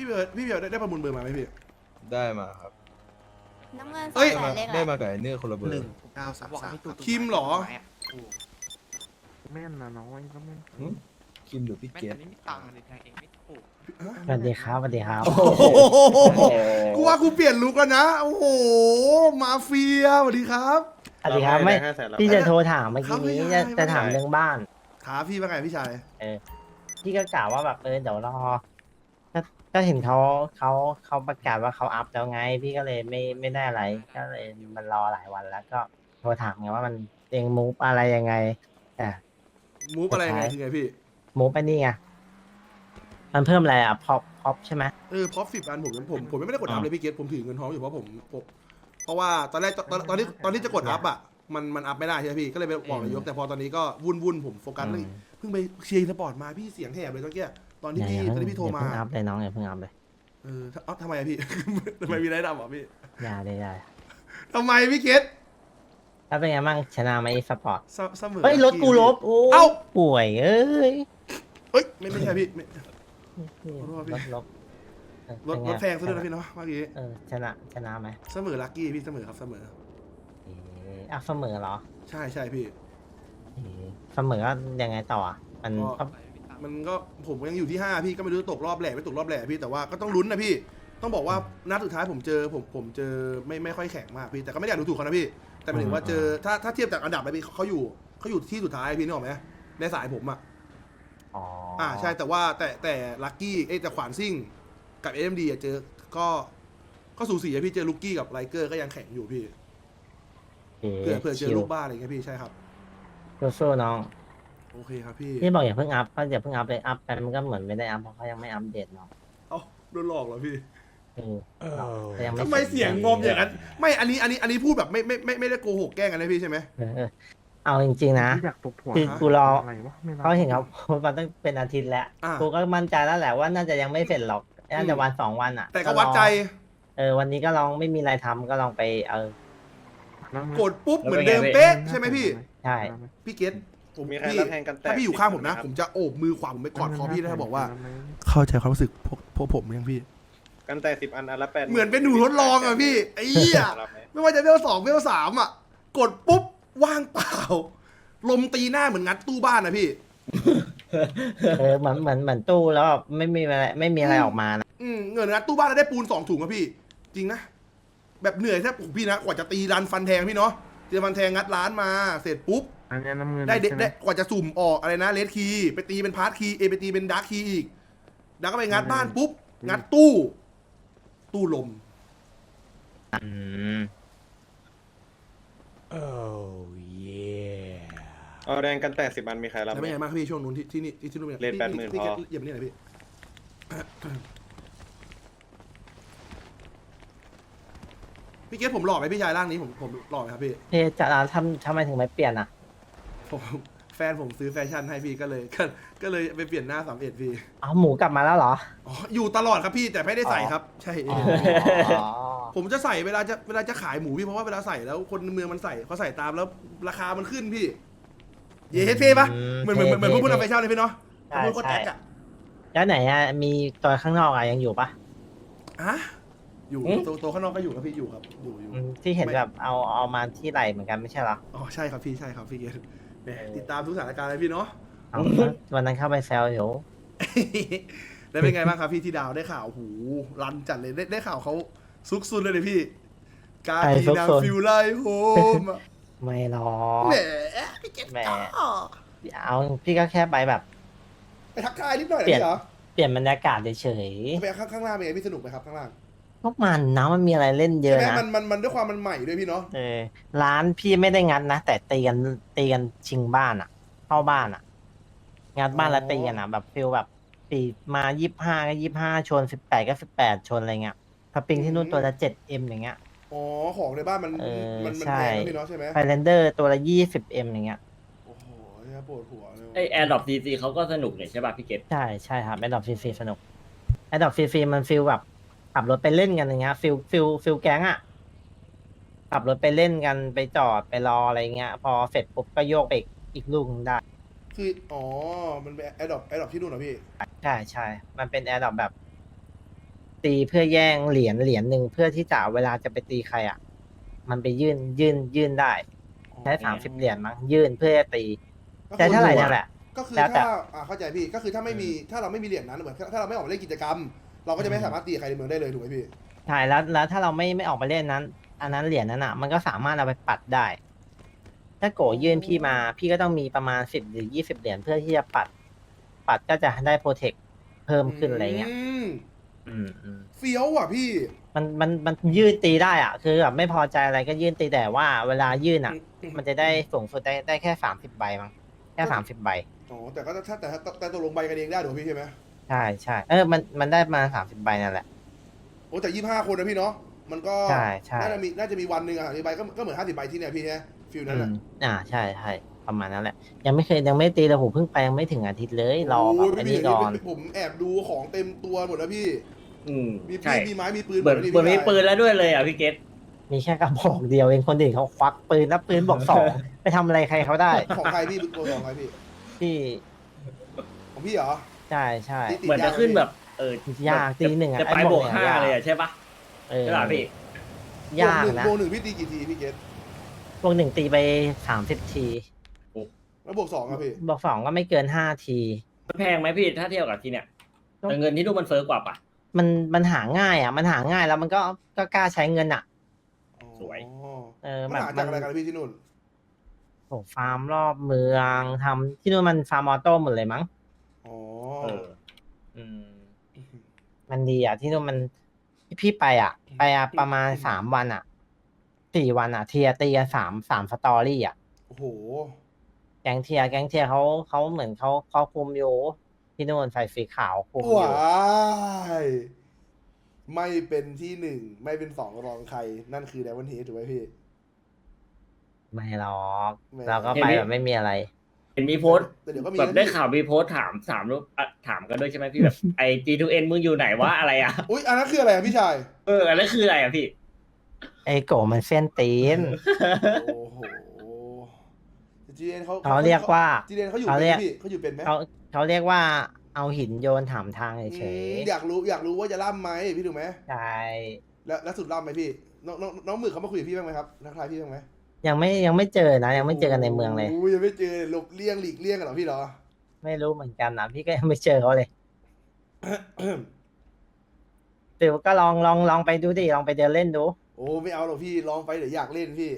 พี่เบลได้ประมูลเบอร์มาไหมพี่ได้มาครับน้ำเงินสเอ้องยแสนเลขอะไรได้มากับไอ้เนื้อคนละเบอร์ 1933 คิมเหรอแม่นนะน้องไอ้ก็แม่นหึคิมหรือพี่แม่เกแต่ตนี่มีตังค์เลยแทงเองไม่ถูกสวัสดีครับสวัสดีครับโอ้โหกูว่ากูเปลี่ยนลุคแล้วนะโอ้โหมาเฟียสวัสดีครับสวัสดีครับไม่พี่จะโทรถามเมื่อกี้นี้ครับไม่ได้จะถามเรื่องบ้านถามพี่ว่าไงพี่ชายพี่ก็กล่าวว่าแบบเดี๋ยวรอก็ก็เห็นเขาประกาศว่าเขาอัพแล้วไง พี่ก็เลยไม่ได้อะไร ก็เลยมันรอหลายวันแล้วก็โทรถามไงว่ามันเองมูฟอะไรยังไงแต่มูฟอะไรยังไงคือไงพี่มูฟไปนี่ไงมันเพิ่มอะไรอ่ะพอปใช่ไหมพอ10 อันผมไม่ได้กดอัพเลยพี่เกตผมถือเงินทองอยู่เพราะผมเพราะว่าตอนแรกตอนที่จะกดอัพอ่ะมันอัพไม่ได้ใช่ไหมพี่ก็เลยไปบอกนายกแต่พอตอนนี้ก็วุ่นผมโฟกัสเลยเพิ่งไปเชียร์สปอร์ตมาพี่เสียงแหบเลยตอนเกี้ยตอนที่พี่โทรมาอย่าเพิ่งอัพเลยน้องอย่าเพิ่งอัพเลยทำไมอะพี่ ทำไมมีอะไรดำอ่ะพี่อย่าเลยอย่าทำไมพี่เกตแล้วเป็นไงบ้างชนะไหมสปอร์ตเสมอเฮ้ยรถกูลบโอ้เอ้าป่วยเอ้ยเอ้ยไม่ใช่พี่ไม่ ขอโทษพี่ลบรถแพงซะด้วยนะพี่เนาะเมื่อกี้ชนะไหมเสมอลักกี้พี่เสมอครับเสมอเสมอเหรอใช่พี่เสมอก็ยังไงต่ออ่ะมันก็ มันก็ผมยังอยู่ที่5พี่ก็ไม่รู้ตกรอบแหล่ไม่ตกรอบแหล่พี่แต่ว่าก็ต้องลุ้นนะพี่ต้องบอกว่านัดสุดท้ายผมเจอไม่ค่อยแข็งมากพี่แต่ก็ไม่ได้อยากดูถูกเขานะพี่แต่หมายถึงว่าเจอถ้าเทียบจากอันดับไปพี่เขาอยู่ที่สุดท้ายพี่นึกออกไหมในสายผมอ่ะ ใช่แต่ว่าแต่ลักกี้แต่ขวานซิ่งกับเอ็มดีเจอก็สูสีอะพี่เจอลูกกี้กับไลเกอร์ก็ยังแข็งอยู่พี่เผื่อเจอลูกบ้าอะไรเงี้ยพี่ใช่ครับสู้ๆน้องโอเคครับพี่พี่บอกอย่าเพิ่งอัพก็อย่าเพิ่งอัพเลยอัพไปมันก็เหมือนไม่ได้อัพเพราะเขายังไม่อัปเดตเนาะเอ้าโดนหลอกเหรอพี่แต่ยังทำไมเสียงงอมอย่างนั้นไม่อันนี้พูดแบบไม่ได้โกหกแกล้งกันนะพี่ใช่ไหมเอาจริงๆนะอยากตบหัวคือกูรออะไรวะไม่รับเขาเห็นเขาโพสต์มาตั้งเป็นอาทิตย์แล้วกูก็มั่นใจแล้วแหละว่าน่าจะยังไม่เสร็จหรอกน่าจะวัน2 วันอ่ะแต่ก็วัดใจวันนี้ก็ลองไม่มีอะไรทำก็ลองไปกดปุ๊บเหมือนเดิมเป๊ะใช่ไหมพี่ใช่พี่เกตผมพี่ถ้าพี่อยู่ข้างผมนะ ผมจะโอบมือขวาผมไปกอดคอพี่แล้วบอกว่า เข้าใจความรู้สึกพวกผมยังพี่กันแต่10 อันละ8 เหมือนเป็นหนูทดลองอ่ะพี่ไอ้เหี้ยไม่ว่าจะเวล2เวล3อ่ะกดปุ๊บว่างเปล่า ลมตีหน้าเหมือนงัดตู้บ้านนะพี่เหมือนตู้แล้วแบบไม่มีอะไรออกมานะเงินงัดตู้บ้านแล้วได้ปูน2 ถุงอะพี่ จริงนะแบบเหนื่อยแทบพี่นะกว่าจะตีรันฟันแทงพี่เนาะตีฟันแทงงัดร้านมาเสร็จปุ๊บอันนี้น้ำเงินได้ใช่หมกว่าจะสุ่มออกอะไรนะเลดคีย์ไปตีเป็นพาร์ทคีย์ไปตีเป็นดาร์คคีย์อีกแล้วก็ไปงัดบ้านปุ๊บงัดตู้ลมเอาแดงกันแต่10 อันมีใครรับแล้วไหมเป็นไงบ้างครับพี่ช่วงนู้นที่นู่นเลท80,000 พี่พออย่ามาเนี่ยหน่อยพี่พี่เกศผมหล่อไหมพี่ชายร่างนี้ผมหล่อไหมครับพี่จะทำไมถึงไม่เปลี่ยนอ่ะผมแฟนผมซื้อแฟชั่นให้พี่ก็เลยไปเปลี่ยนหน้า31พี่เอาหมูกลับมาแล้วเหรออ๋ออยู่ตลอดครับพี่แต่ไม่ได้ใส่ครับ ใช่ ผมจะใส่เวลาจะขายหมูพี่เพราะว่าเวลาใส่แล้วคนเมืองมันใส่เขาใส่ตามแล้วราคามันขึ้นพี่ เย้เท่ปะเหมือนพวกผู้นำแฟชั่นเลยพี่เนาะใช่พวกคนแอคอะแล้วไหนอ่ะมีตัวข้างนอกอ่ะยังอยู่ปะอะอยู่ตัวข้างนอกก็อยู่ครับพี่อยู่ครับอยู่ที่เห็นแบบเอามาที่ไหลเหมือนกันไม่ใช่เหรออ๋อใช่ครับพี่เกศแหมติดตามทุกสถานการณ์เลยพี่เนาะเอาวันนั้นเข้าไปแซวอยู่แล้วเป็นไงบ้างครับพี่ที่ดาวได้ข่าวหูรันจัดเลยได้ข่าวเขาซุกซุนเลยพี่การดีนางฟิวไลโฮมไม่หรอกแหมพี่เกศแหมเอาพี่ก็แค่ไปแบบไปทักทายนิดหน่อยนะพี่เหรอเปลี่ยนบรรยากาศเฉยไปข้างล่างเป็นไงพี่สนุกไหมครับข้างล่างๆพวกมันนะมันมีอะไรเล่นเยอะใช่ไหมนะมันด้วยความมันใหม่ด้วยพี่เนาะร้านพี่ไม่ได้งัดนะแต่ตีกันชิงบ้านอ่ะ เข้าบ้านอ่ะ งัดบ้านแล้วตีกันอ่ะแบบฟิลแบบตีมา25ก็25ชน18ก็18ชนอะไรเงี้ยถ้าปิงที่นู่นตัวละ7M อย่างเงี้ยอ๋อของในบ้านมันใช่แพงนะพี่เนาะใช่ไหมไฟแลนเดอร์ตัวละ20M อย่างเงี้ยโอ้โหเนี่ยปวดหัวเลยไอแอร์ดรอปซีซีเขาก็สนุกเลยใช่ป่ะพี่เกตใช่ครับแอดดอปฟรีสนุกแอดดอปฟรีมันฟิลแบบขับรถไปเล่นกันอย่างเงี้ยฟิลแก๊งอ่ะขับรถไปเล่นกันไปจอดไปรออะไรเงี้ยพอเสร็จปุ๊บก็โยกไปอีกลูกนึงได้คืออ๋อมันเป็นแอดดอปที่นู่นเหรอพี่ใช่มันเป็นแอร์ดรอปแบบตีเพื่อแย่งเหรียญหนึ่งเพื่อที่จะเวลาจะไปตีใครอ่ะ มันไปยื่นได้ใช้30 เหรียญมั้งยื่นเพื่อจะตีก็คือใช้เท่าไหร่นั่นแหละก็คือแล้วแต่ถ้าเข้าใจพี่ก็คือถ้าไม่มีถ้าเราไม่มีเหรียญนั้นเหมือนถ้าเราไม่ออกมาเล่นกิจกรรม เราก็จะไม่สามารถตีใครในเมืองได้เลยถูกไหมพี่ใช่แล้วถ้าเราไม่ออกไปเล่นนั้น อันนั้นเหรียญนั้นอ่ะ มันก็สามารถเอาไปปัดได้ ถ้าโกยื่นพี่มา พี่ก็ต้องมีประมาณ10 หรือ 20 เหรียญเพื่อที่จะปัดก็จะได้โปรเทคเพิ่มขึ้นอะไรเงี้ยเฟี้ยวอ่ะพี่มันยื่นตีได้อ่ะ คือแบบไม่พอใจอะไรก็ยื่นตีแต่ว่าเวลายื่นอ่ะ มันจะได้สูงสุดได้แค่30 ใบมั้งแค่30 ใบอ๋อแต่ก็แต่ตกลงใบกันเองได้ถูกไหมพี่ใช่ไหมใช่มันได้มา30 ใบนั่นแหละโอ้แต่25 คนนะพี่เนาะมันก็ใช่น่าจะมีวันหนึ่งอ่ะใบก็เหมือน50 ใบที่เนี่ยพี่เนี่ยฟิลนั้นแหละใช่ประมาณนั้นแหละ ยังไม่ตีเลยผมเพิ่งไปยังไม่ถึงอาทิตย์เลยรอแบบโอ้ยไอ้พี่นี่ก่อนผมแอบดูของเต็มตัวหมดแล้วพี่ มีใช่มีไม้มีปืนเหมือนหดแล้วเหมือนมีพี่ปืนแล้วด้วยเลยอ่ะพี่เกตมีแค่กระบอกเดียวเองคนอื่นเขาควักปืนแล้วปืนบอกสอง ไปทำอะไรใครเขาได้ของใครพี่ตัวของใครพี่ที่ของพี่เหรอใช่ติดเหมือนจะขึ้นแบบยากตีหนึ่งอ่ะจะไปไอ้บวกนี่ 5เลยอ่ะใช่ปะเออใช่ป่ะพี่ยากนะบวกหนึ่งพี่ตีกี่ทีพี่เกตบวก 1ตีไป30 ทีแล้วบวก 2ครับพี่บวก 2ก็ไม่เกิน5 ทีมันแพงไหมพี่ถ้าเทียบกับที่เนี่ยแต่เงินที่นู่นมันเฟ้อกว่าปะมันหาง่ายอ่ะ มันหาง่ายแล้วมันก็กล้าใช้เงินอ่ะสวยมันหาจากอะไรกันพี่ที่นู่นโอ้ฟาร์มรอบเมืองทำที่นู่นมันฟาร์มออโต้หมดเลยมั้งอ๋อเอออืมมันดีอ่ะที่นู่นมันพี่ไปประมาณ3 วันอ่ะ4 วันอ่ะเทียร์ตีกันสามสตอรี่อ่ะโอ้โหแก๊งเทียร์เขาเหมือนเขาคุมอยู่ที่นู่นใส่สีขาวคุมอยู่ว้ายไม่เป็นที่หนึ่งไม่เป็นสองรองใคร นั่นคือไดมอนด์เฮดถูกไหมพี่ไม่หรอกไม่เราก็ไปแบบไม่มีอะไรเห็นมีโพสต์แต่เดี๋ยวก็มีแบบนะได้พี่ข่าวมีโพสต์ถามรูปถามกันด้วยใช่ไหมพี่แบบไอ G2N มึงอยู่ไหนวะอะไรอ่ะอุ้ยอันนั้นคืออะไรอะพี่ชายอันนั้นคืออะไรอ่ะพี่ไอ้โกมันเส้นตีนโอ้โหจีเอ็นเขาเขาเรียกว่าจีเอ็นเขาอยู่เขาเป็นเรีไหยมกพี่เขาอยู่เป็นไหมเขาเรียกว่าเอาหินโยนถามทางเฉยอยากรู้ว่าจะล่ำไหมพี่ถูกไหมๆใช่แล้วสุดล่ำไหมพี่น้องหมึกเขามาคุยกับพี่บ้างไหมครับนักทายพี่บ้างไหมยังไม่เจอนะยังไม่เจอกันในเมืองเลยโอ้ยังไม่เจอหลบเลี่ยงหลีกเลี่ยงกันเหรอพี่เหรอไม่รู้เหมือนกันนะพี่ก็ยังไม่เจอเขาเลยเดี๋ยวก็ลองไปดูดิลองไปเดินเล่นดูโอ้ไม่เอาหรอกพี่ลองไปเดี๋ยวอยากเล่นพี่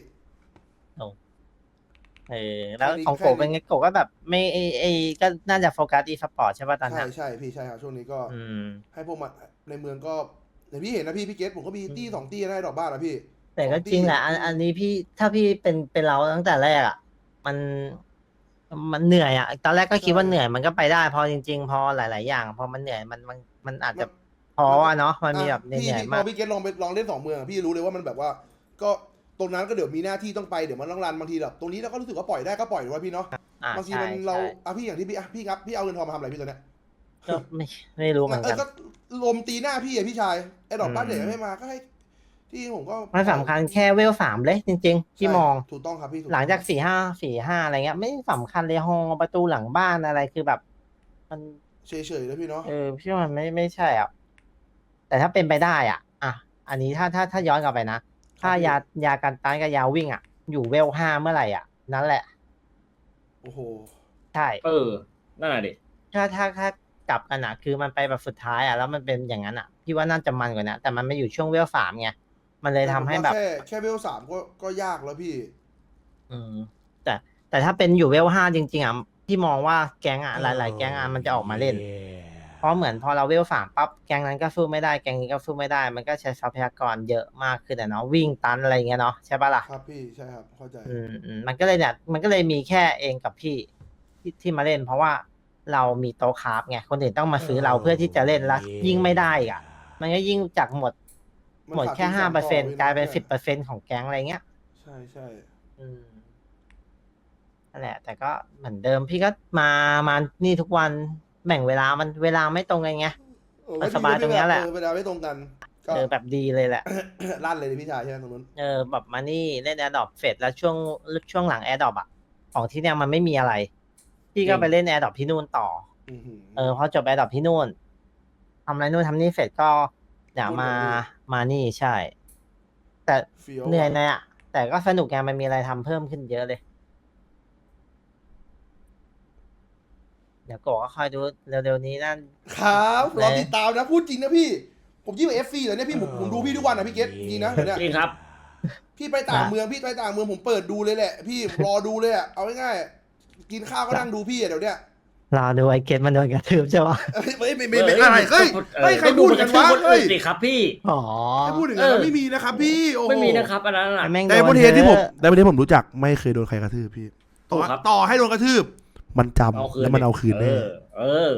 แล้วแค่นี้ของโกแค่นี้เป็นไงโกก็แบบไม่ก็น่าจะโฟกัสอีสปอร์ตใช่ป่ะตอนใช่นี้ใช่พี่ใช่ครับช่วงนี้ก็อืมให้พวกมันในเมืองก็อย่างพี่เห็นนะพี่เกตผมก็มีตี้2 ตี้ได้ดอกบ้านนะพี่แต่ก็จริงแหละอันนี้พี่ถ้าพี่เป็นเราตั้งแต่แรกอ่ะมันเหนื่อยอ่ะตอนแรกก็คิดว่าเหนื่อยมันก็ไปได้พอจริงๆพอหลายๆอย่างพอมันเหนื่อยมันอาจจะพออ่ะเนาะมันมีแบบเหพี่นื่อยพมาอก พี่เกตลองเล่น2 เมืองอะพี่รู้เลยว่ามันแบบว่า ก็ตรงนั้นก็เดี๋ยวมีหน้าที่ต้องไปเดี๋ยวมันต้องรันบางทีแบบตรงนี้เราก็รู้สึกว่าปล่อยได้ก็ปล่อยหรือว่าพี่เนาะ บางทีใช่มันเราใช่พี่อย่างที่พี่ครับพี่เอาเงินทองมาทำอะไรพี่ตัวเนี้ยก็ไม่รู้เหมือนกันก็ลมตีหน้าพี่อะพี่ชายไอ้ดอกบ้านเด็กไม่มาก็ให้ที่ผมก็มันสำคัญแค่เวล3เลยจริงๆที่มองถูกต้องครับพี่ถูหลังจาก4-5อะไรเงี้ย ไม่สำคัญเลยฮอประตูหลังบ้านอะไรคือแบบ มันเฉยๆแล้วพี่เนาะพี่ว่ามันไม่ใช่อ่ะแต่ถ้าเป็นไปได้อ่ะอันนี้ถ้าย้อนกลับไปนะถ้ายากันต้านกับยาวิ่งอ่ะ อยู่เวล5เมื่อไหร่อ่ะ นั่นแหละโอ้โหใช่นั่นแหละดิถ้ากลับกันอ่ะ คือมันไปแบบสุดท้ายอ่ะแล้วมันเป็นอย่างนั้นอ่ะพี่ว่าน่าจะมันกว่านะแต่มันไม่อยู่ช่วงเวล3ไงมันเลยทำให้แบบแค่เวล3ก็ยากแล้วพี่แต่ถ้าเป็นอยู่เวล5จริงๆอ่ะที่มองว่าแก๊งอ่ะหลายๆแก๊งอ่ะมันจะออกมาเล่น เพราะเหมือนพอเราเวล3ปั๊บแก๊งนั้นก็สู้ไม่ได้แก๊งนี้ก็สู้ไม่ได้ มันก็ใช้ทรัพยากรเยอะมากขึ้นอ่ะเนาะวิ่งตันอะไรเงี้ยเนาะใช่ปะล่ะครับพี่ใช่ครับเข้าใจมันก็เลยเนี่ยมันก็เลยมีแค่เองกับพี่ที่มาเล่น เพราะว่าเรามีโต๊ะคราฟไงคนอื่นต้องมาซื้อเราเพื่อที่จะเล่นแล้วยิ่งไม่ได้อีกอ่ะมันก็ยิ่งจากหมดแค่5%กลายเป็น10%ของแก๊งอะไรเงี้ยใช่ใช่นั่นแหละ แต่ก็เหมือนเดิมพี่ก็มานี่ทุกวันแบ่งเวลามันเวลาไม่ตรงกันไง มันสบายตรงเนี้ยแหละเวลาไม่ตรงกันก็แบบดีเลยแหละลั่นเลยดิพี่ชายใช่ไหมตรงนู้นแบบมานี่เล่นแอร์ดรอปเสร็จแล้วช่วงหลังแอร์ดรอปอ่ะของที่เนี่ยมันไม่มีอะไร พี่ก็ไปเล่นแอร์ดรอปที่นู่นต่ออื้อหือพอจบแอร์ดรอปที่นู่นทำอะไรนู่นทำนี่เสร็จก็เดี๋ยวบนมาเหรอพี่มานี่ใช่ แต่เฟี้ยวเหนื่อยอะนะอ่ะแต่ก็สนุกไงมันมีอะไรทำเพิ่มขึ้นเยอะเลย เดี๋ยวโกะก็คอยดูเร็วๆนี้นั่นครับรอแหมติดตามนะพูดจริงนะพี่ ผมยิ่งเอฟซีเลยเนี่ยพี่ผมดูพี่ทุกวันนะพี่เกตจริงนะเดี๋ยวเนี่ยจริงครับพี่ไปต่างเมืองพี่ไปต่างเมืองผมเปิดดูเลยแหละ พี่รอดูเลยอะเอาง่ายๆกินข้าวก็นั่งดูพี่อะเดี๋ยวเนี้ยรอดูไอ้เกตมันโดนกระทืบใช่ปะไม่อะไรเฮ้ยเฮ้ยใครพูดกันวะคนเฮ้อื่ยนสิครับพี่อ๋อใครพูดอย่างนั้นนะไม่มีนะครับพี่โอ้โหไม่มีนะครับอันนั้นน่ะแม่งไดมอนโดเฮดที่ผมยอะไดมอนเฮดผมรู้จักไม่เคยโดนใครกระทืบพี่ถูกครับต่อให้โดนกระทืบ มันจำเอาคืนแล้วมันเอาคืนแน่เออ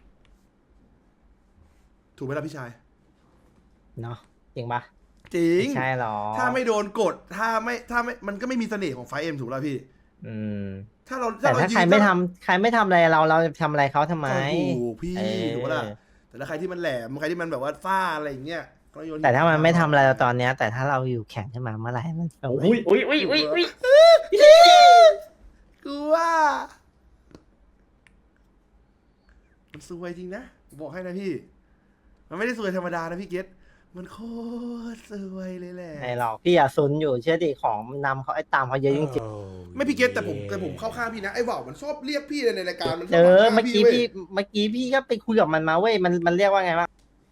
ถูกไหมล่ะพี่ชายเนาะจริงปะจริงไม่ใช่หรอถ้าไม่โดนกดถ้าไม่มันก็ไม่มีเสน่ห์ของไฟเอ็มถูกแล้วพี่อืมถ้าเราแต่ถ้ายืนใครไม่ทำใครไม่ทำอะไรเราจะทำอะไรเขาทำไมก็ถูกพี่เออถูกปะล่ะแต่ถ้าใครที่มันแหลมใครที่มันแบบว่าฟ้าอะไรอย่างเงี้ยก็โยนแต่ถ้ามันไม่ทำอะไรเราตอนเนี้ย แต่ถ้าเราอยู่แข่งขึ้นมาเมื่อไหร่มันโอ้ยอุ้ยกูว่ามันซวยจริงนะบอกให้นะพี่ มันไม่ได้ซวยธรรมดานะพี่เกตมันโคตรซวยเลยแหละไม่หรอกพี่อย่าซุนอยู่เชื่อดิของนำเขาไอ้ตามเขาเยอะจริงไม่พี่เกตแต่ผมเข้าข้างพี่นะไอ้ว่าวมันชอบเรียกพี่ในรายการมันชๆอบเมื่อกี้ว้ยพี่ก็ไปคุยกับมันมาเว้ยมันเรียกว่าไงวะ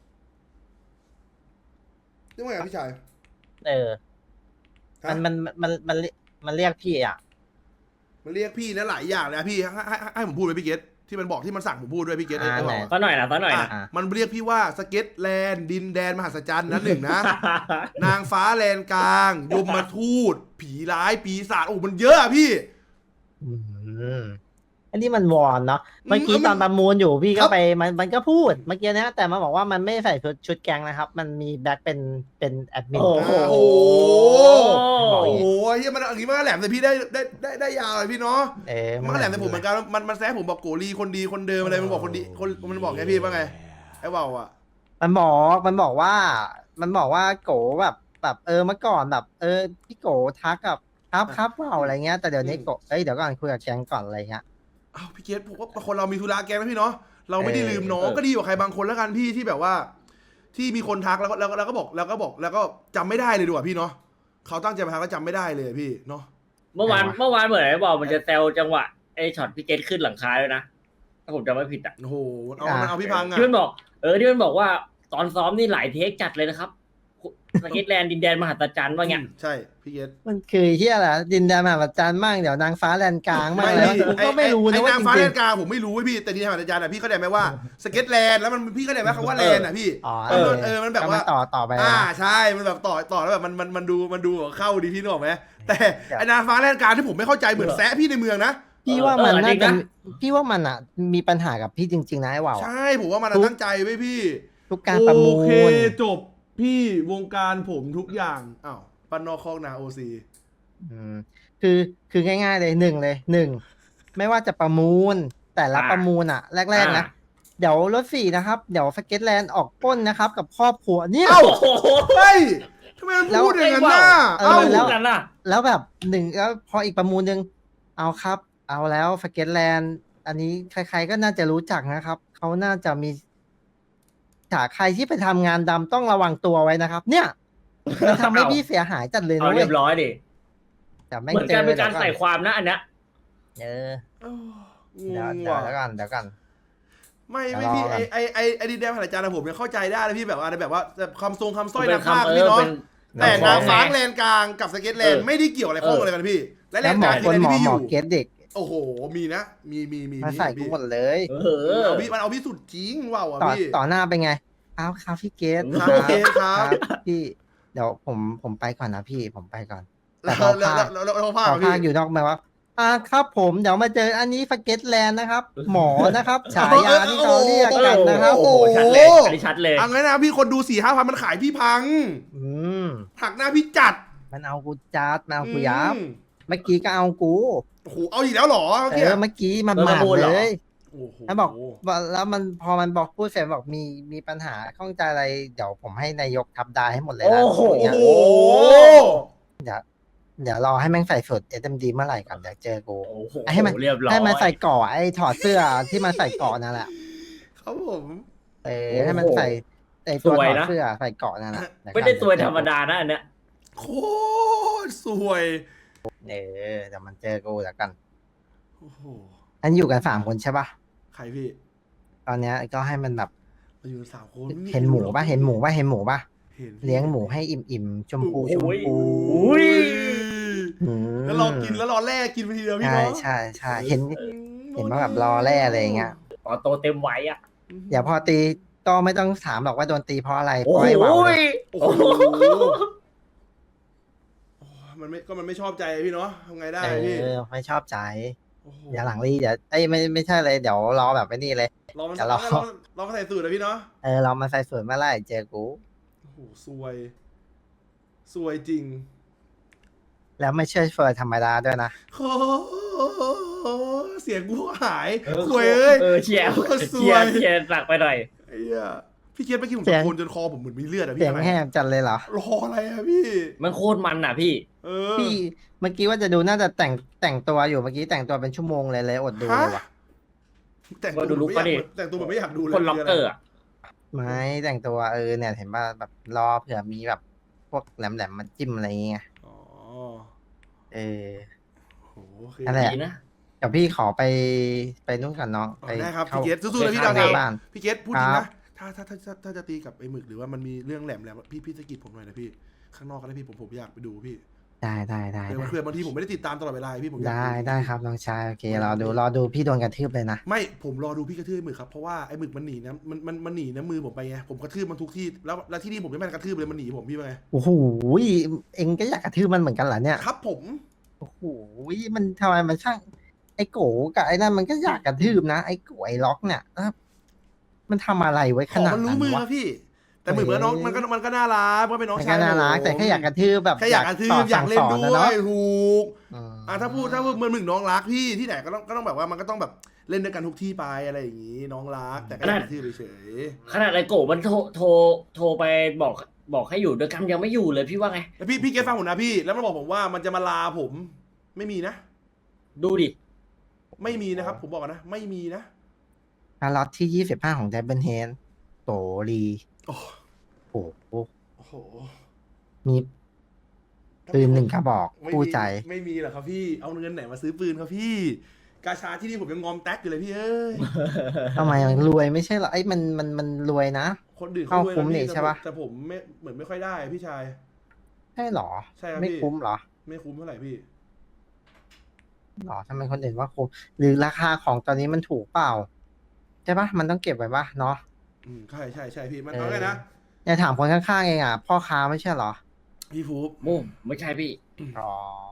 เรียกว่าไงพี่ชายเออฮะมันเรียกพี่อ่ะมันเรียกพี่นะหลายอย่างเลยนะพี่ให้ผมพูดไปพี่เกตที่มันบอกที่มันสั่งผมพูดด้วยพี่เกตไอ้ว่าวอะซะหน่อยนะอ่ะมันเรียกพี่ว่าสเก็ตแลนด์ดินแดนมหัศจรรย์นะหนึ่งนะ นางฟ้าแลนกลาง ยมมาทูต ผีร้ายปีศาจโอ้มันเยอะอะพี่อืมอันนี้มันวอนเนาะเมื่อกี้มันตอนประมูลอยู่พี่ครัก็บไปมันก็พูดเมื่อกี้นะแต่มันบอกว่ามันไม่ใส่ชุดแก๊งนะครับ มันมีแบ็คเป็นแอดมินโอ้โหโอ้โหบอกโอ้อย่างโหงี้เฮียมันอย่างนี้มันก็แหลมแต่พี่ได้ยาวเลยพี่เนาะ มันก็แหลมแต่ผมเหมือนกันมันแซะผมบอกโกลีคนดีคนเดิมอะไรมันบอกคนดีมันบอกไงพี่ว่าไงไอ้ว่าวอะมันบอกว่าโกแบบเมื่อก่อนแบบพี่โกทักกับครับเปล่าอะไรเงี้ยแต่เดี๋ยวนี้โกเดี๋ยวก่อนคุยกับแก๊งก่อนอะไรเงี้ยอ้าวพี่เกตผมว่าคนเรามีธุระแกงนะพี่เนาะเราไม่ได้ลืมน้องเออก็ดีกว่าใครบางคนแล้วกันพี่ที่แบบว่า ที่มีคนทักแล้วก็บอกแล้วก็จำไม่ได้เลยดีกว่าพี่เนาะเขาตั้งใจมาทักแล้วจำไม่ได้เลยพี่เนาะเมื่อวานเหมือนไอ้บอกมันจะแซวจังหวะไอ้ช็อตพี่เกตขึ้นหลังคาด้วยนะถ้าผมจำไม่ผิดอ่ะโอ้โหมันเอาพี่พังอะที่มันบอกที่มันบอกว่าตอนซ้อมนี่หลายเทคจัดเลยนะครับสเก็ตแลนด์ดินแดนมหัศจรรย์ว่าไงใช่พี่เกตมันคือที่อะไรดินแดนมหาจารย์มั่งเดี๋ยวนางฟ้าแลนกลางมั่งอะไรวะกูก็ไม่รู้นะว่าไอ้จนางฟ้าริแลงนกลางผมไม่รู้เว้ยพี่แต่ที่ทางอาจารย์อะพี่เข้าใจไหมว่าสเก็ตแลนด์แล้วมันพี่เข้าใจไหมคำว่าแลนด์อะพี่ๆอ๋อมันแบบว่าต่อไปใช่มันแบบต่อแล้วแบบมันดูเข้าดีพี่นึกออกไหมแต่ไอ้นางฟ้าแลนกลางที่ผมไม่เข้าใจเหมือนแซะพี่ในเมืองนะพี่ว่ามันจริน่าง จะนะพี่ว่ามันอ่ะมีปัญหากับพี่จริงๆนะไอ้ว่าวอะใช่ผมว่ามันตั้งใจไว้พี่ทุกการประมูโอเคลจบพี่วงการผมทุกอย่างอ้าวปันนอกคอกนาโอซีอืมคือง่ายๆเลยหนึ่งไม่ว่าจะประมูลแต่ละประมูลอ่ะ แรกๆนะเดี๋ยวรถ4นะครับเดี๋ยวสเก็ตแลนด์ออกปล้นนะครับ กับครอบครัวเนี่ยเอ้าโอ้โหเฮ้ยทำไมมันพูดอย่างนั้นน่ะเออเอ้าแล้วกันน่ะแล้วแบบแล้วพออีกประมูลหนึ่งเอาครับ เอาแล้วสเก็ตแลนด์อันนี้ใครๆก็น่าจะรู้จักนะครับเขาน่าจะมีถ้าใครที่ไปทำงานดำต้องระวังตัวไว้นะครับ เนี่ยมันทำให้พี่เสียหายจัดเลยเอานะเรีเว้ยยบร้อยดิแต่แม่งเหมือนเจกันอเป็นการดี๋ยวใส่ความนะอันเนี้ยเออเอ้างเดี๋ยวงเดี๋ยวว่ะเดี๋ยวก่อนไม่เดี๋ยวพี่รอก่อนไอ้ดินแดนผ่านอาจารย์อะผมยังเข้าใจได้เลยพี่แบบว่าแบบว่าคำทรงคำสร้อยเป็นนางฟ้าคำพี่เนาะเป็นแต่นางฟ้าไงแลนกลางกับสเก็ตแลนด์ไม่ได้เกี่ยวอะไรข้องอะไรกันพี่ และแลแล้วนหมกอลางคนที่หมอพี่อหมอยู่ เกตเด็กโอ้โหมีนะมีมาใส่กูพี่หมดเลยเออมันเอาพี่สุดจริงว้าวอ่ะต่อพี่ต่อหน้าเป็นไงเอาครับพี่เกตครับโอเคครับพี่เดี๋ยวผมไปก่อนนะพี่ผมไปก่อน แต่แล้วพอภาคแล้วภาพคอพี่ภาคอยู่นอกมาว่าครับผมเดี๋ยวมาเจออันนี้สเก็ตแลนด์นะครับ หมอนะครับ ฉายาที่เขาเรียกกันนะครับโอ้โหชัดเลยอันนี้ชัดเลยเอางั้นนะพี่คนดู4-5 พันมันขายพี่พังอืมหักหน้าพี่จัดมันเอากูจัดมันเอากูยับอืมเมื่อกี้ก็เอากูโอ้โหเอาอีกแล้วเหรอเมื่อกี้เมื่อกี้มันเออหมาประมูลเหรเลอยโอ้โหแล้วบอกว่าแล้วมันพอมันบอกพูดเสร็จบอกมีปัญหาข้องใจอะไรเดี๋ยวผมให้นายกทับดาให้หมดเลยโอ้นะโหอย่างโอ้เงี้ยโหเดี๋ยวรอให้แม่งใส่สุด SMD เมื่อไหร่ก่อนเดี๋ยวเจอกูโอ้โหให้มันเรียบร้อยให้มันใส่ก่อไอ้ถอดเสื้อที่มันใส่ก่อนั่นแหละครับผมให้มันใส่ไอตัวสวยถอดนะเสื้อใส่เกราะนั่นแหละไม่ได้ตัวธรรมดานะอันเนี้ยโคตรสวยเดี๋ยวมันเจอกูแล้วกันโอ้โหอันอยู่กัน3 คนใช่ปะใครพี่ตอนเนี้ยก็ให้มันแบบมาอยู่กัน3 คนไม่เห็นหมูปะเห็นหมูปะเห็นหมูปะเห็นเลี้ยงหมูให้อิ่มๆชมพูชมโอ้ยพูอุ้ยอืมแล้วเรากินแล้วรอแรกกินไปทีเดียวพี่ใช่เนาะใช่ใช่เห็นว่าแบบรอแร่อะไรอย่างเงี้ยต่อโตเต็มไว้อ่ะเดี๋ยวพอตีก็ไม่ต้องถามหรอกว่าโดนตีเพราะอะไรเพโอ้ราะโหไอ้เหวาเลยโอ้โหมันไม่ชอบใจพี่เนาะทำไงได้พี่ไม่ชอบใจโอ้โหเดี๋ยวหลังรีเดี๋ยวไม่ใช่เลยเดี๋ยวรอแบบไอ้นี่เลยรอมันเดี๋ยวรอรอมาใส่สูตรนะพี่เนาะเรามาใส่สวยเมื่อไหร่เจอกูโอ้โหซวยจริงแล้วไม่เชื่อเฟิร์ธรรมดาด้วยนะโอ้เสียงกูหายสวยเอ้ยเชียร์โอ้สเชียวยร์เชียร์หนักไปหน่อยไอ้เหี้ยพี่เกียรติเมื่อกี้ผมเสียงตะโกนจนคอผมเหมือนมีเลือดอะเสีพี่ยงทำไมแหบจัดเลยเหรอรออะไรอะพี่มันโคตรมันอ่ะพี่เออพี่เมื่อกี้ว่าจะดูน่าจะแต่งตัวอยู่เมื่อกี้แต่งตัวเป็นชั่วโมงเลยอดดูเลยว่ะแต่งตัวดูลุคไม่อยากก็ดิแต่งตัวแบบไม่อยากดูเลยคนล็อกเกอร์อะไม่แต่งตัวเนี่ยเห็นป่ะแบบรอเผื่อมีแบบพวกแหลมๆมาจิ้มอะไรอย่างเงี้ยอ๋อเออโหโอเคนั่นแหละดีนะเดี๋ยวพี่ขอไปนู่นกับน้องอ๋อไปได้ครับเข้าพี่เกียรติสู้ๆนะพี่เข้าดาวหน้าบ้านพี่เกตพูดจริงครันะบถ้าจะตีกับไอ้หมึกหรือว่ามันมีเรื่องแหลมพี่สะกิดผมหน่อยนะพี่ข้างนอกก็ได้พี่ผมอยากไปดูพี่ได้เผื่อบางทีผมไม่ได้ติดตามตลอดเวลาพี่ผมอยากได้ครับน้องชายโอเครอดูพี่โดนกระทืบเลยนะไม่ผมรอดูพี่กระทืบไอ้หมึกครับเพราะว่าไอ้หมึกมันหนีนะมันหนีนะมือผมไปไงผมกระทืบมันทุกที่แล้วที่นี่ผมไม่แม่นกระทืบเลยมันหนีผมพี่ว่าไงโอ้โหเอ็งก็อยากกระทืบมันเหมือนกันเหรอเนี่ยครับผมโอ้โหมันทำไมมันช่างไอ้โกกับไอ้นั่นมันก็อยากกระทืบนะไอ้โกไอ้ล็อกเนี่ยมันทำอะไรไว้ขของนาดมันรู้นั้นมือวะครับพี่ แต่หมึกเหมือนน้องมันก็น่ารักก็เป็นน้องมันชายก็น่ารักผมแต่แค่อยากกระทืบแบบแค่อยากกระทืบอยากเล่นด้สั่งสอวอะยเนาะถูกอืมถ้าพูดเหมือนหมึกน้องรักพี่ที่ไหนก็ต้องแบบว่ามันก็ต้องแบบเล่นด้วยกันทุกที่ไปอะไรอย่างนี้น้องรักแต่ก็อยากกระทืบเฉยขนาดไอโกะมันโทรไปบอกให้อยู่ด้วยกันยังไม่อยู่เลยพี่ว่าไงแล้วพี่เกฟังผมนะพี่แล้วมันบอกผมว่ามันจะมาลาผมไม่มีนะดูดิไม่มีนะครับผมบอกก่อนนะไม่มีนะล็อตที่25ของไดเบิลเฮนโตรีโอ้โอ้โหโอ้โหมีปืน1 กระบอกไม่มีคู่ใจไม่มีหรอกครับพี่เอาเงินไหนมาซื้อปืนครับพี่ กาชาที่นี่ผมยังงอมแท็กอยู่เลยพี่เอ้ยทำไมมันรวยไม่ใช่เหรอไอ้มันรวยนะคนอื่นเข้าเขารวยคุ้มนะนี่พี่ใช่ปะแต่ผมไม่เหมือนไม่ค่อยได้พี่ชายใช่เหรอใช่ครับไม่พี่คุ้มเหรอไม่คุ้มเท่าไหร่พี่หรอทำไมคนอื่นว่าคุ้มหรือราคาของตอนนี้มันถูกเปล่าใช่ปะมันต้องเก็บไว้ปะเนาะใช่พี่มันเอาไงนะอย่าถามคนข้างๆเองอ่ะพ่อค้าไม่ใช่เหรอพี่ฟูบมุมไม่ใช่พี่อ๋อ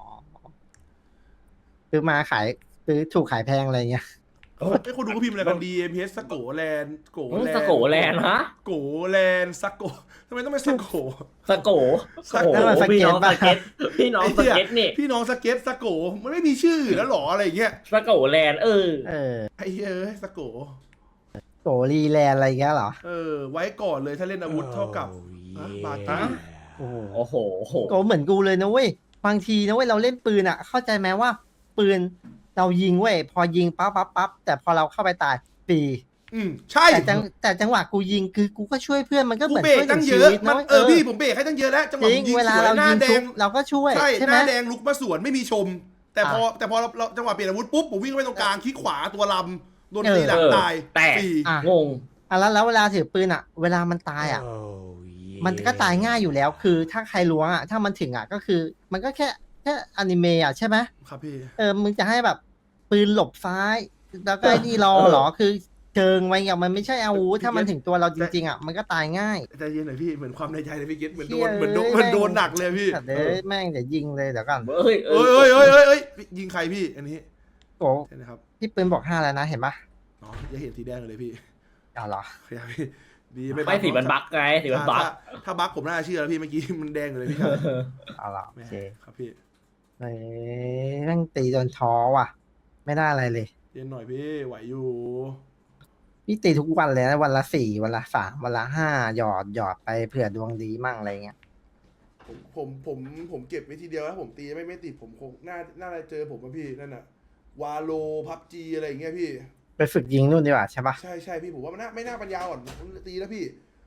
ซื้อมาขายซื้อถูกขายแพงอะไรเงี้ยไอ้คนดูก็พิมพ์อะไรกัน DMPS สโกแลนด์โกแลนด์สโกแลนด์ฮะโกแลนด์สโกทำไมต้องเป็นสโกสโกสโกโอ้โหพี่น้องสเก็ตพี่น้องสเก็ตนี่พี่น้องสเก็ตสโกมันไม่มีชื่อแล้วหรออะไรอย่างเงี้ยสโกแลนด์เออไอ้เอ้ยสโกโกรีแลนด์อะไรเงี้ยเหรอไว้ก่อนเลยถ้าเล่นอาวุธเท่ากับบาร์กี้โอ้โหโอ้โหโกเหมือนกูเลยนะเว้ยบางทีนะเว้ยเราเล่นปืนอ่ะ เข้าใจไหมว่า ปืนเรายิงเว้ยพอยิงปั๊บแต่พอเราเข้าไปตายปีใช่แต่จังหวะกูยิงคือกูก็ช่วยเพื่อนมันก็เหกูมือนเบรกช่วยตั้งชีเยอะวิตมันะนเว้ยพี่ผมเบรกให้ตั้งเยอะแล้วจังหวะจผริงมยิงเวลาสวยเราหน้ายิงแดทุงบเราก็ช่วยใช่ใช่หไหมน้าแดงลุกมาสวนไม่มีชม แต่พอเราจังหวะเปลี่ยนอาวุธปุ๊บผมวิ่งเข้าไปตรงกลางคลิกขวาตัวลำโดนตีหลังตายแต่สี่อ่ะงงแล้วเวลาถือปืนอ่ะ เวลามันตายอ่ะ มันก็ตายง่ายอยู่แล้ว คือถ้าใครล้วงอ่ะถ้ามันถึงอ่ะก็คือ มันก็แค่อนิเมะอ่ะใช่ไหมครับพี่มึงจะให้แบบปืนหลบซ้าย แล้วก็ไอ้นี่รอเหรอคือเชิงไว้อย่างมันไม่ใช่อาวุธถ้ามันถึงตัวเราจริงๆอ่ะมันก็ตายง่ายใจเย็นหน่อยพี่เหมือนความในใจเลยพี่เกตเหมือนโดนเหี้ยเหมือนโดนเอ้ยเหมือนโดนหนักเลยพี่แต่เด้แม่งเดี๋ยวยิงเลยเดี๋ยวก่อนเอ้ยเอ้ยยิงใครพี่อันนี้โกใช่นะครับที่ปืนบอก5แล้วนะเห็นปะอ๋ออย่าเห็นสีแดงเลยพี่เอาเหรอครับพี่ดีไม่สีมันบั๊กไงสีมันบั๊กถ้าบั๊กผมน่าเชื่อแล้วพี่เมื่อกี้มันแดงอยู่เลยพี่ครับเอาเหรอโอแม่เคครับพี่เฮ้ยแม่งตีโดนท้อว่ะ ไม่ได้อะไรเลยเย็นหน่อยพี่ไหวอยู่พี่ตีทุกวันเลยนะวันละ4วันละ3วันละ5หยอดไปเผื่อดวงดีมั่งอะไรเงี้ยผมเก็บไว้ทีเดียวแล้วผมตีไม่ติดผมคงน่าจะเจอผมอะพี่นั่นน่ะวาโลพับจีอะไรอย่างเงี้ยพี่ไปฝึกยิงนู่นดีกว่าใช่ปะใช่พี่ผมว่ามันไม่น่าปัญญาอ่อนตีแล้วพี่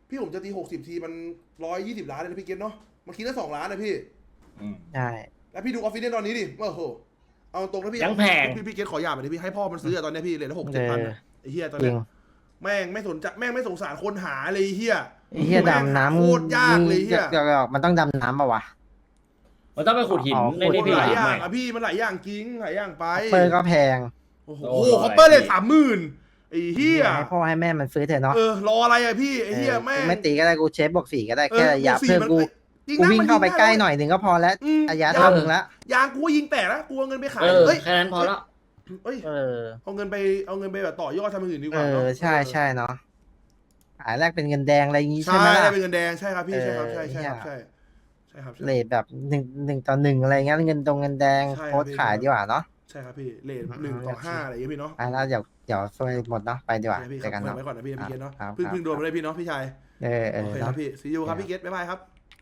พี่ผมจะตี60 ทีมัน120 ล้านเลยนะพี่เกตเนาะมันคิดได้2 ล้านนะพี่ใช่แล้วพี่ดูออฟฟิศเนี่ยตอนนี้ดิโอ้โหเอาตรงนะพี่ยังแพงพี่เกตขอหยาบหน่อยดิพี่ให้พ่อมันซื้ออะตอนเนี้ยพี่เลยละ6-7 พันอะไอ้เหี้ยตอนจริเนี้ยงแม่งไม่สนใจแม่งไม่สงสารคนหาเลยไอ้เหี้ยไอ้เฮียดำน้ำโคตรยากเลยเหี้ยเดี๋ยวมันต้องดำน้ำป่าวะมันต้องไปขุดหินอ๋อในมันี้นพี่หลายอย่างไม่อะพี่มันหลายอย่างจริงหลายอย่างไปเปิดก็แพงโอ้โหโอ้โหคอปเปอร์เลย30,000ไอ้เหี้ยให้พ่อให้แม่มันซื้อเถอะเนาะรออะไรอะพี่ไอ้เหี้ยแม่งไม่ตีก็ได้กูเชฟบอก4ก็ได้แค่ระยะบวกสี่เพื่อมันกูจริงกูนะวิ่งมันเข้าไปยิงใกล้ได้หน่อยหนึ่งก็พอแล้วอืมระยะเท่ามึงละยางกูก็ยิงแตกแล้วกูเอาเงินไปขายเออเอ้ยแค่นั้นพอแล้วเอ้ยเออเอาเงินไปแบบต่อยอดทำอย่างอื่นดีกเอว่าอเนาะใช่ใช่เนาะขายแรกเป็นเงินแดงอะไรอย่างงี้ใช่ใช่ไหมล่ะได้เป็นเงินแดงใช่ครับพี่ใช่ครับใช่เออใช่ครับเหี้ใช่ยใช่ครับเลทแบบ1:1อะไรเงี้ยเงินเงินแดงใช่ครับโพสต์ขายดีกว่าเนาะใช่ครับพี่เลทอืม 1-5อะไรอย่างเงี้ยพี่เนาะอ่ะแล้วเดี๋ยวซวยหมดเนาะไปดีกว่าใช่พี่เจอกันครับเนาะไว้ก่อนนะพี่เกตเนาะครับเพิ่งครับโดนมาเลยพี่เนาะพี่ชายเออโอเคคเนาะรับพี่ซีอูครับพี่เกตบ๊ายบายครับ